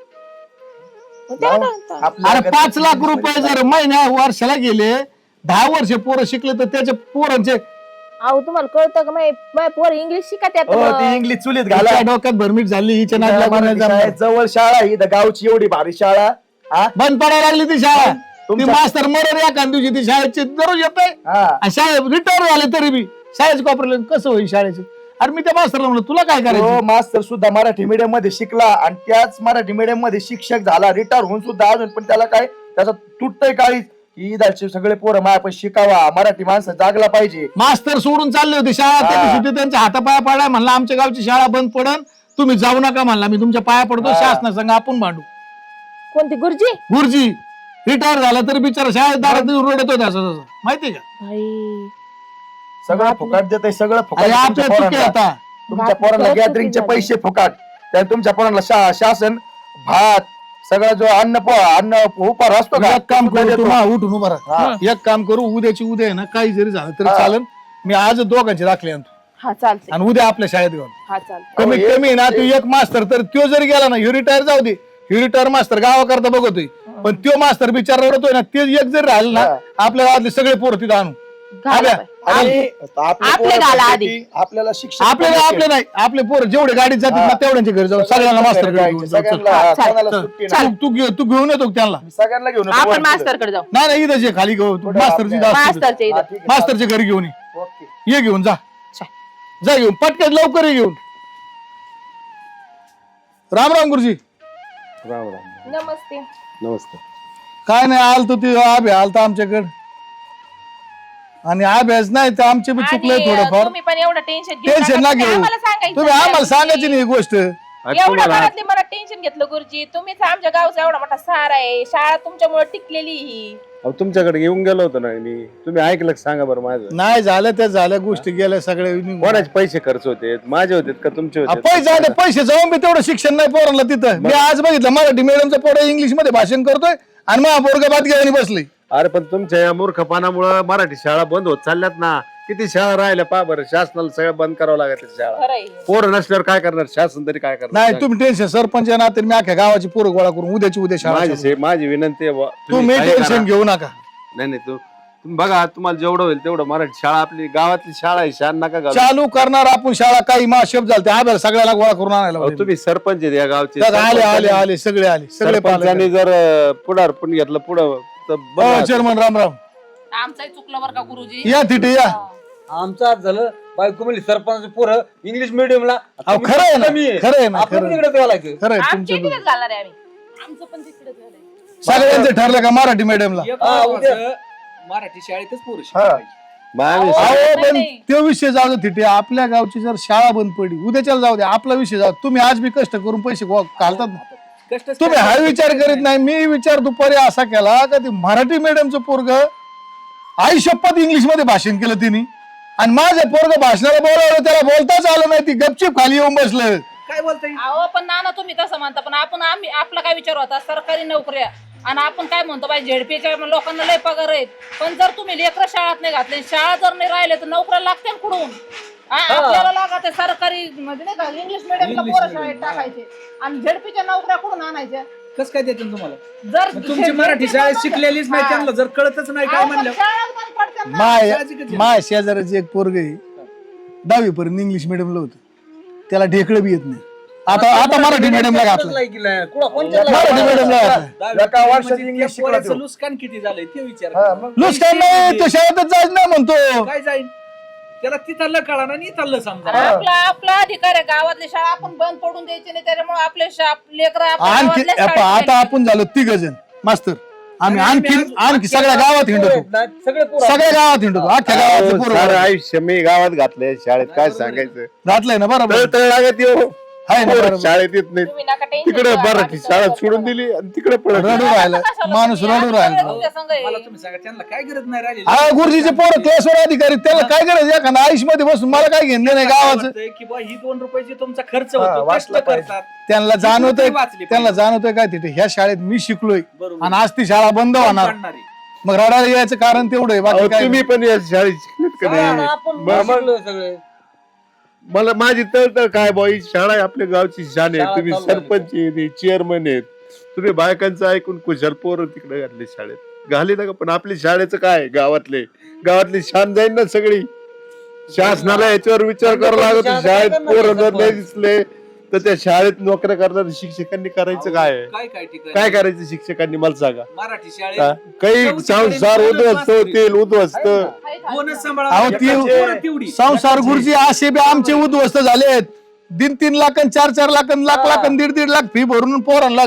S8: मग त्याला काय होतं?
S7: अरे 5 लाख रुपये जर महिन्या वर्षाला गेले, 10 वर्ष पोरं शिकले तर त्याच्या पोरांचे
S8: अहो तुम्हाला कळतं का माझे पोर इंग्लिश शिकत
S2: हो ती इंग्लिश चुलीत घाला
S7: घाला डोक्यात भरमीट झाली हिच्या नाद लागून नाही
S2: मराठी
S7: जमणार.
S2: शाळेत जवळ शाळा ही इथं गावची एवढी भारी शाळा हा
S7: बंद पडायला लागली ती शाळा ती
S2: तुमच्या-
S7: मास्तर मरण एका दिवशी ती शाळेची दररोज येत
S2: हा
S7: शाळेत रिटायर झाले तरी बी शाळेच कॉपरेल कसं होईल शाळेचं. अरे मी त्या मास्तरला म्हणलं तुला काय
S2: तो
S7: करायचं
S2: मास्तर सुद्धा मराठी मीडियम मध्ये शिकला आणि त्याच मराठी मीडियम मध्ये शिक्षक झाला रिटायर होऊन सुद्धा अजून पण त्याला काय त्याचा तुटतंय काळी की इदाचे सगळे पोरं मायापाशी शिकावा मराठी माणसं जागला पाहिजे.
S7: मास्तर सोडून चालले होते शाळा
S2: हा.
S7: त्या दिवशी ते त्यांच्या हातापाया पडाय म्हणला आमच्या गावची शाळा बंद पडन तुम्ही जाऊ नका म्हणला मी तुमच्या पाया पडतो
S2: हा.
S7: शासनासंग आपण भांडू.
S8: कोणती गुरुजी
S7: गुरुजी रिटायर झाला तरी बिचारा शाळेत दारात रडत होता असं तसं माहितीये का.
S8: भाई
S2: सगळं फुकाट देत सगळं फुकाट
S7: अरे
S2: तुमच्या
S7: आपल्या चुकी
S2: पोरांना.
S7: आता
S2: तुमच्या
S8: बाप-
S2: पोरांना
S8: खरंच
S2: गॅदरिंगचे
S8: चुकी
S2: पैसे फुकाट त्या तुमच्या पोरांना शासन भात सगळं जो अन्न उपार असतो का
S7: एक काम
S2: सुद्धा
S7: करू
S2: देतो.
S7: तू उठून उभा
S2: हा.
S7: राहा. एक काम करू उद्याची उद्या आहे ना काही जरी झालं तरी
S2: हा.
S7: चालन मी आज दोघांचे दाखले आणतो
S8: हा चालते
S7: आणि उद्या आपल्या शाळेत घेऊन
S8: हा चालते
S7: कमीत
S2: हे-
S7: कमी ना तू एक मास्तर तर त्यो जरी गेला ना ह्यो रिटायर जाऊ दे ह्यो रिटायर मास्तर गावाकरता बघतोय पण त्यो मास्तर बिचारा रडतोय ना ते एक जरी राहिलं ना
S2: हा.
S7: आपल्या गावातले सगळे पोरं तिथं आणू
S8: घाला
S7: आल्या.
S8: बाई.
S2: आणि
S8: आपले
S2: पोरं
S8: घाला
S2: म्हणते
S8: आधी.
S2: की आपल्याला शिक्षण
S7: आपले नाही आपले पोरं जेवढे गाडीत जातील ना
S2: हा.
S7: तेवढ्यांच्या घरी जाऊ सगळ्यांना मास्तर घेऊन जाऊ.
S2: सगळ्यांना
S8: हा, चाल.
S2: कोणाला
S7: चल.
S2: सुट्टी नाही.
S7: तू घेऊन येतो का त्यांना
S2: सगळ्यांना घेऊन येतो
S8: आपण
S2: वर
S8: मास्तर कडे जाऊ
S7: नाही नाही इथं जे खाली घेऊ
S2: पुढे
S7: मास्तरची
S2: आपल्या-
S7: जास्त
S8: मास्तरच्या
S2: हा,
S8: इथं
S2: ठीक आहे.
S7: मास्तरच्या घरी घेऊन ये
S2: ओके.
S7: ये घेऊन जा
S8: चा.
S7: जा घेऊन पटकन लवकर ये घेऊन राम राम गुरुजी
S1: राम राम
S8: नमस्ते
S1: नमस्ते.
S7: काय नाही आलतो ते आभे आलता आमच्याकडे आणि अभ्यास नाही तर आमचे बी चुकलंय
S8: आणि,
S7: थोडंफार
S8: तुम्ही पण एवढं टेन्शन
S7: टेन्शन ना घेऊ तुम्ही आम्हाला सांगायची नाही ही गोष्ट
S8: एवढ्या घरातली मला टेन्शन घेतलं गुरुजी तुम्हीच आमच्या गावचा एवढा मोठा सहारा आहे शाळा तुमच्यामुळे टिकलेली ही
S1: अहो, तुमच्याकडे येऊन गेलो होतो ना मी तुम्ही ऐकलं का सांगा बरं माझं
S7: नाही झालं त्या झाल्या गोष्टी गेल्या सगळ्या निघून.
S1: कोणाचे पैसे खर्च होते माझे होते का तुमचे
S7: आ,
S1: होते
S7: पैसे आता पैसे जाऊन मी तेवढं शिक्षण नाही पोरांना तिथं मी आज बघितलं मराठी मीडियमचं पोरं इंग्लिश मध्ये भाषण करतोय आणि मग पोरगा बात घेऊन बसले
S1: अरे पण तुमच्या या मूर्खपणामुळे मराठी शाळा बंद होत चालल्यात ना किती शाळा राहिल्या पा बरं शासनाला सगळं बंद करावं लागत शाळा
S8: खरंय
S1: पोरं नसल्यावर काय करणार शासन तरी काय करणार
S7: नाही तुम्ही टेन्शन सरपंच आहे ना तर मी अख्ख्या गावाची पोरं गोळा करून उद्याची उद्या शाळा चालू.
S1: माझी विनंती आहे बुवा,
S7: तुम्ही
S1: काही करा.
S7: टेन्शन घेऊ नका
S1: नाही नाही तुम्ही बघा तुम्हाला जेवढं होईल तेवढं मराठी शाळा आपली गावातली शाळा आहे शान नका घालू.
S7: चालू करणार आपण शाळा काही माशेप झालते आब्याला सगळ्याला गोळा करून आणायला
S1: अहो,
S7: पाहिजे.
S1: तुम्ही सरपंच आहेत या गावचे
S7: दादा, आले आले आले सगळे आले सगळे
S1: सरपंचांनी जर पुढारपण घेतलं पुढं तर बरं राहतं.
S7: चेअरमन राम राम
S3: आमचंही चुकलं बरं का गुरुजी
S7: या तिथे या
S4: आमचं आज झालं बायको म्हणली सरपंच पोरं इंग्लिश मिडियमला
S7: अहो, खरं आहे ना खरं आहे ना
S4: आपण
S7: खरं आहे.
S4: तिकडे घालायचं
S7: खरं आहे
S8: आमच्या
S7: तुमचं
S8: इकडेच घालणार आहे आम्ही
S3: आमचं पण तिकडे झालंय
S7: सगळ्यांचं ठरलं का मराठी मीडियमला
S6: एक
S4: हा, उद्या.
S6: महत्वाचं, मराठी शाळेतच पोरं
S2: हा.
S6: शिकलं पाहिजे.
S1: मग आम्ही
S7: अहो
S3: नाही,
S7: पण
S3: नाही.
S7: तो विषय जाऊ दे तिथे आपल्या गावची जर शाळा बंद पडली उद्याच्याला जाऊ दे आपला विषय जाऊ तुम्ही आज बी कष्ट करून पैसे घालतात ना.
S6: कष्टच
S7: तुम्ही हा
S6: करायचं.
S7: विचार करीत नाही मी विचार दुपारी असा केला का ते मराठी मीडियमचं पोरग आई शपथ इंग्लिश मध्ये भाषण केलं तिने आणि माझं पोरग भाषणाला बोलावलं त्याला बोलताच आलं नाही ती गपचीप खाली येऊन बसलं
S6: काय बोलताय
S3: अहो पण नाना तुम्ही तसं म्हणता पण आम्ही आपला काय विचार होता सरकारी नोकऱ्या आणि आपण काय म्हणतो बाई झेडपीच्या लोकांना लय पगार आहेत पण जर तुम्ही लेकरं शाळेत नाही घातले शाळा जर नाही राहिले तर नोकऱ्या लागतील कुठून आपल्याला लागत आहे सरकारी म्हणजे नाही का इंग्लिश मिडियमला पोरं शाळेत टाकायचे आणि झेडपीच्या नोकऱ्या कुठून आणायच्या
S6: कसं काय देतील तुम्हाला
S3: जर
S6: मग तुमची मराठी शाळेत शिकलेलीच नाही त्यांना जर कळतच नाही काय म्हणलं
S3: शाळा बंद पडतात ना.
S7: माय
S6: साहजिकच आहे.
S7: माय शेजाराचे एक पोरग आहे 10वी पर्यंत इंग्लिश मिडियमला होतं त्याला ढेकळं बी येत नाही आता आता मराठी मिडियमला घातलं मराठी मिडियमला घातलं
S2: एका वर्षात
S6: म्हणजे
S2: इंग्लिश
S6: त्या
S2: शिकला
S6: पोराचं
S2: तो.
S6: नुकसान किती झालंय ते विचार
S2: हा,
S6: करा.
S2: मग.
S7: नुसतं नाही तो शाळेतच जायचं नाही म्हणतो
S6: काय जाईल त्याला तिथलं कळा ना इथलं समजा
S3: आपला अधिकार आहे गावातली शाळा आपण बंद पडून द्यायची नाही त्याच्यामुळे आपले लेकर
S7: आणखी आता आपण झालो 3 जण मास्तर आम्ही आणखी सगळ्या गावात हिंडतो सगळ्या गावात हिंडतो अख्ख्या गावात
S1: अहो, सारं आयुष्य मी गावात घातलंय शाळेत काय सांगायचं
S7: घातलंय ना बरोबर
S1: तळतळ लागत येऊ
S7: आहे ना बरोबर
S1: शाळेत येत नाही
S8: तुम्ही नका टेन्शन
S1: तिकडे
S8: घेऊ,
S1: मराठी
S8: आम्ही
S1: शाळा
S8: सगळं
S1: सोडून
S8: करू.
S1: दिली आणि तिकडे पळत
S7: रडू राहिला माणूस रडू राहिला
S6: मला तुम्ही सांगा त्यांना काय गरज नाही राहिली
S7: हा गुरुजीचे पोरं क्लासवर अधिकारी त्याला काय करायचं एखादा आयुष मध्ये बसून मला काय घेणं नाही गावाचं
S6: वाटतंय की बा ही 2 रुपयाची तुमचा खर्च
S2: हा,
S6: होतो कष्ट
S2: वाचलं पाहिजे.
S6: करतात
S7: त्यांना जाणवतंय
S6: वाचली
S7: त्यांना जाणवतंय काय तिथे ह्या शाळेत मी शिकलोय
S6: बरोबर.
S7: आणि आज ती शाळा बंद होणार
S6: पाडणारी.
S7: मग रडायला यायचं कारण तेवढं आहे बाकी काय
S1: तुम्ही पण या शाळेत शिकलेत का नाही
S4: सगळे
S1: मला माझी तळतळ काय बॉ ही शाळा आहे आपल्या गावची शान आहे
S4: शाळा
S1: तुम्ही
S4: चालू झाली.
S1: सरपंच आहे चेअरमन आहेत तुम्ही बायकांचं ऐकून कुशाल पोरं तिकडे घातले शाळेत घाली ना का पण आपली शाळेचं काय गावातली शान जाईल ना सगळी शासनाला याच्यावर विचार करावा लागतो. शाळेत पोरं जर नाही दिसले तर त्या शाळेत नोकऱ्या करणाऱ्या शिक्षकांनी करायचं काय आहे?
S6: काय ठिकाणी
S1: काय करायचं शिक्षकांनी मला सांगा.
S6: मराठी
S1: हा?
S6: शाळेत
S1: काही संसार उद्ध्वस्त होतील उद्ध्वस्त.
S6: कोणच सांभाळा
S7: अहो, ती
S6: पोरं तेवढी.
S7: संसार गुरुजी असे बी आमचे उद्ध्वस्त झालेत. 3-3 लाख 4-4 लाख लाख 1.5 लाख फी भरून पोरांना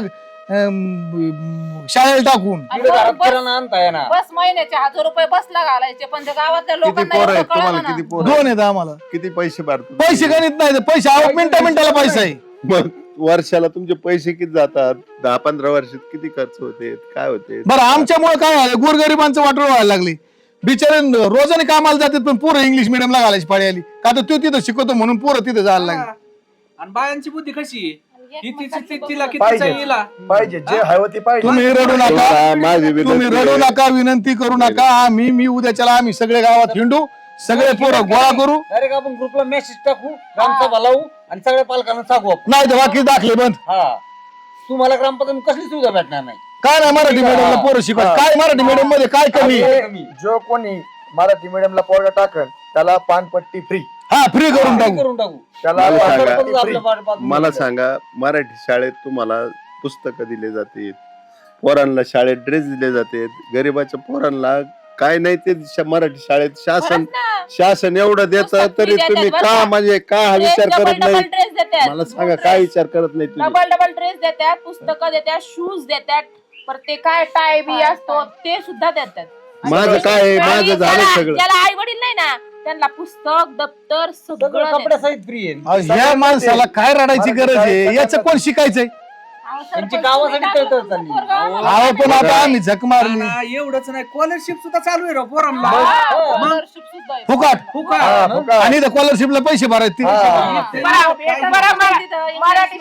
S7: शाळेला टाकून.
S3: आणि
S4: तिकडे घरात
S3: बस-
S4: किराणा आणता येणार.
S3: बस महिन्याचे 1000 रुपये बसला घालायचे पण त्या गावातल्या
S1: किती
S3: लोकांना
S1: पोरं
S3: एवढं
S1: आहेत तुम्हाला?
S3: कळलं
S1: किती
S3: ना.
S1: पोरं
S7: 2 आहेत आम्हाला.
S1: किती पैसे भरतात?
S7: पैसे गणित नाही ते पैसे आवक मिनिटाला पैसा आहे.
S1: मग वर्षाला तुमचे पैसे किती जातात? 10-15 वर्षात किती खर्च होते? काय होते?
S7: बरं आमच्यामुळे काय झालं गोरगरिबांचं वाटोळ व्हायला लागली. बिचारे रोजाने कामाला जातात पण पोरं इंग्लिश मिडियमला घालायची पाळी आली. का तर तो तिथं शिकवतो म्हणून पोरं तिथं जायला लागली.
S6: आणि बायांची बुद्धी कशी आहे? ही तिला किती
S2: पाहिजे
S6: येईल
S2: पाहिजे जे हवं ते पाहिजे.
S7: तुम्ही रडू नका.
S1: माझी
S7: तुम्ही
S1: विनंती
S7: रडू
S1: आहे.
S7: नका विनंती करू नका. मी उद्याच्याला आम्ही सगळे गावात हिंडू सगळे पोरं गोळा करू.
S4: डायरेक्ट आपण ग्रुपला मेसेज टाकू ग्रामसभा लावू आणि सगळ्या पालकांना सांगू आपण.
S7: नाही तर बाकी दाखले बंद.
S4: हा तुम्हाला ग्रामपंचायत कसली सुविधा भेटणार नाही.
S7: काय नाही मराठी मीडियमला पोरं शिकवत. काय मराठी मीडियम मध्ये काय कमी आहे?
S2: जो कोणी मराठी मीडियमला पोरगा टाकन त्याला पानपट्टी फ्री.
S7: हा फ्री करून टाकू.
S4: करून टाकू.
S2: त्याला
S1: मला सांगा.
S2: पानपट्टी free.
S1: मला सांगा मराठी शाळेत तुम्हाला पुस्तकं दिले जाते, पोरांना शाळेत ड्रेस दिले जाते, गरीबाच्या पोरांना काय नाही ते मराठी शाळेत शासन एवढं देतं तरी तुम्ही का म्हणजे का हा विचार करत नाही?
S3: ड्रेस देतात
S1: मला सांगा काय विचार करत नाही तुम्ही?
S3: डबल ड्रेस देतात, पुस्तकं देतात, शूज देतात, परत ते काय टाय बी असतो ते सुद्धा देतात.
S1: माझं काय आहे? माझं झालं सगळं.
S3: ज्याला आई वडील नाही ना त्यांना पुस्तक दप्तर सगळं
S4: सगळं
S3: देतात.
S4: कपड्यासहित फ्री आहे.
S7: अहो, ह्या माणसाला काय रडायची गरज आहे? याचं कोण शिकायचय?
S3: अहो,
S4: त्यांची
S3: सरपंच
S4: गावासाठी
S3: तुम्ही टाकलं
S4: तळतळ चालली.
S3: तुमचं पोरगं आम्हाला.
S7: अहो पण आता आम्ही झक मारली
S6: एवढंच नाही स्कॉलरशिप सुद्धा चालू आहे राव पोरांना.
S3: हा, scholarship सुद्धा आहे.
S7: फुकाट.
S6: फुका.
S2: फुका.
S7: आणि स्कॉलरशिपला पैसे भरायचे.
S8: मराठी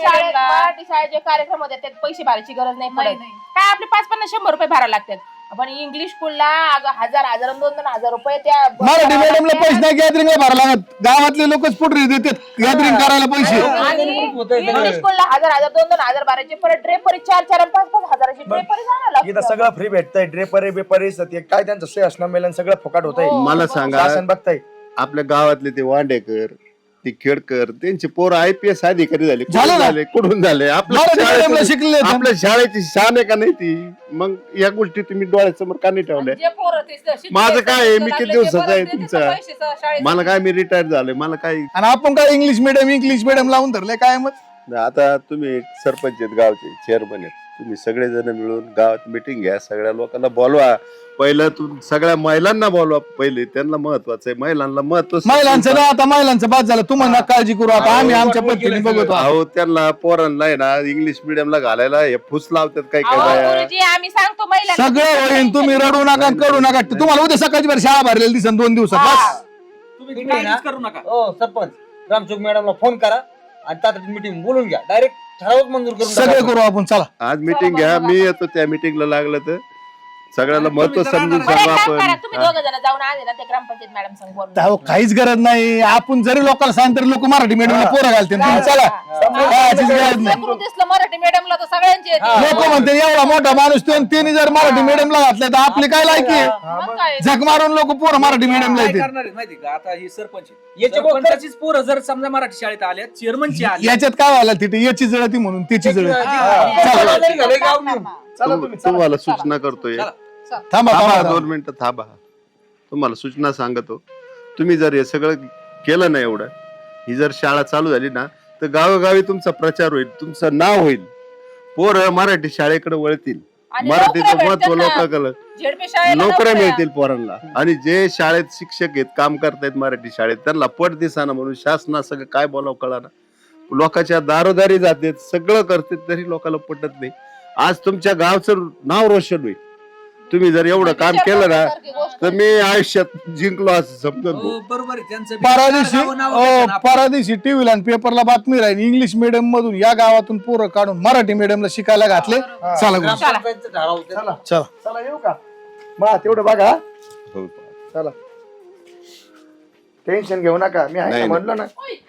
S8: शाळेचे कार्यक्रम होते त्यात पैसे भरायची गरज नाही पडत. काय आपले 550-100 रुपये भरायला लागतात. आपण इंग्लिश स्कूलला 1000 2,000 रुपये त्या
S7: मराठी मीडियमला पैसे नाही गॅदरिंगला भरायला लागत. गावातले लोकच पुढे देतात गॅदरिंग करायला पैसे.
S8: आणि इंग्लिश स्कूलला 1000 2,000 भरायचे परत ड्रेपरी 4-4 आणि 5-5 हजाराची ड्रेपरी जाणार
S2: इथं सगळं फ्री भेटतंय. ड्रेपरी बेपरी ते काय त्यांचं सोय असणं मेलन सगळं फुकाट होतंय.
S1: मला सांगा
S2: शासन बघताय.
S1: आपल्या गावातले ते वांडेकर ते खेडकर त्यांचे पोरं IPS अधिकारी झाले.
S7: झालं
S1: कुठून
S7: ना?
S1: झाले? कुठून झाले?
S7: मराठी मीडियमला शिकलेले आहेत.
S1: आपल्या शाळेची शान आहे का नाही ती? मग या गोष्टी तुम्ही डोळ्यासमोर का नाही ठेवल्या?
S3: जे पोरं ते शिकले,
S1: माझं काय आहे? मी
S3: लागले,
S1: किती
S3: ते
S1: दिवसाचा आहे
S3: परत देतात
S1: तुमचा?
S3: पैसे शाळेत.
S1: मला काय मी रिटायर झालोय मला काय
S7: आणि आपण काय इंग्लिश मिडियम लावून धरले काय मग?
S1: आता तुम्ही एक सरपंच आहेत गावचे चेअरमन आहेत तुम्ही सगळेजण मिळून गावात मिटिंग घ्या सगळ्या लोकांना बोलवा पहिलं सगळ्या महिलांना बोलवा पहिले त्यांना महत्वाचं आहे महिलांना महत्व
S7: महिलांचं ना आता महिलांचं बाद झालं तुम्हाला काळजी करू आता आम्ही आमच्या पद्धतीने बघतो.
S1: अहो त्यांना पोरांना आहे ना इंग्लिश मिडियमला घालायला हे फुस लावतात काय काय बाया.
S8: गुरुजी आम्ही सांगतो महिलांना
S7: सगळं होईल तुम्ही रडू नका करू नका. तुम्हाला उद्या सकाळची बरं शाळा भरलेली दिसन 2 दिवसात बस.
S6: तुम्ही काळजीच करू नका.
S4: हो सरपंच ग्रामसेवक मॅडमला फोन करा आणि तातडीत मीटिंग बोलून घ्या. डायरेक्ट ठरावच मंजूर करून
S7: सगळे
S4: टाका.
S7: करू आपण चला.
S1: आज मिटिंग घ्या मी येतो त्या मिटिंगला लागलं तर सगळ्याला महत्व समजून
S8: बरं, एक
S1: सांगू
S8: काम करा
S1: आपण
S8: तुम्ही दोघं जण जाऊन आले ना ते ग्रामपंचायत मॅडम संग बोलून
S7: अहो, काहीच गरज नाही. आपण जरी लोकांना सांगितलं लोक मराठी मीडियमला पोरं घालते तुम्ही चला कायचीच गरज नाही.
S3: लेकरू दिसलं मराठी मीडियमला तर सगळ्यांची येते.
S7: लोक म्हणते एवढा मोठा माणूस तो आणि त्यांनी जर मराठी मीडियमला घातलं तर आपली काय लायकी आहे?
S3: मग काय?
S7: झक मारून लोक पोरं मराठी मीडियमला
S6: काय
S7: येते.
S6: करणार आहेत माहिती का आता ही सरपंच आहे.
S4: याचे बघ-
S6: सरपंचाचीच पोरं जर समजा मराठी शाळेत आल्या चेअरमनची आली
S7: याच्यात काय व्हायला तिथे याची जळती म्हणून त्याची जळती.
S4: चला, नाही झालंय गाव नेऊन.
S2: चला तुम्ही चला.
S1: तुम्हाला सूचना करतोय
S7: थांबा
S1: थांबा
S7: थांबा
S1: 2 मिनिटं थांबा तुम्हाला सूचना सांगतो तुम्ही जर हे सगळं केलं ना एवढं ही जर शाळा चालू झाली ना तर गावोगावी तुमचा प्रचार होईल तुमचं नाव होईल पोरं मराठी शाळेकडे वळतील
S3: आणि
S1: मराठीचं
S3: नोकऱ्या
S1: महत्व
S3: भेटतील ना.
S1: लोकांकडे
S3: झेडपी शाळेला
S1: नोकऱ्या
S3: नोकऱ्या.
S1: मिळतील पोरांना आणि जे शाळेत शिक्षक आहेत काम करतायत मराठी शाळेत त्यांना पट दिसाना म्हणून शासना सगळं काय बोलावं कळाना लोकांच्या दारोदारी जाते सगळं करते तरी लोकांना पटत नाही आज तुमच्या गावचं नाव रोशन होईल तुम्ही जर एवढं काम केलं ना तर मी आयुष्यात जिंकलो असं समजून
S6: हो,
S1: भाऊ.
S6: बरोबर आहे त्यांचं बी.
S7: परादिशी
S6: नावं घेतात ना आपण.
S7: परादिशी टीव्हीला आणि पेपरला बातमी राहील इंग्लिश मिडियम मधून या गावातून पोरं काढून मराठी मिडियमला शिकायला घातले. चला गुरु.
S4: ग्रामपंचायतचं ठराव होतं.
S2: चला
S7: चला
S2: चला येऊ का मा तेवढं बघा
S1: हो.
S2: चला टेन्शन घेऊ नका मी आहे
S1: नाही,
S2: ना
S1: नाही.
S2: म्हणलं ना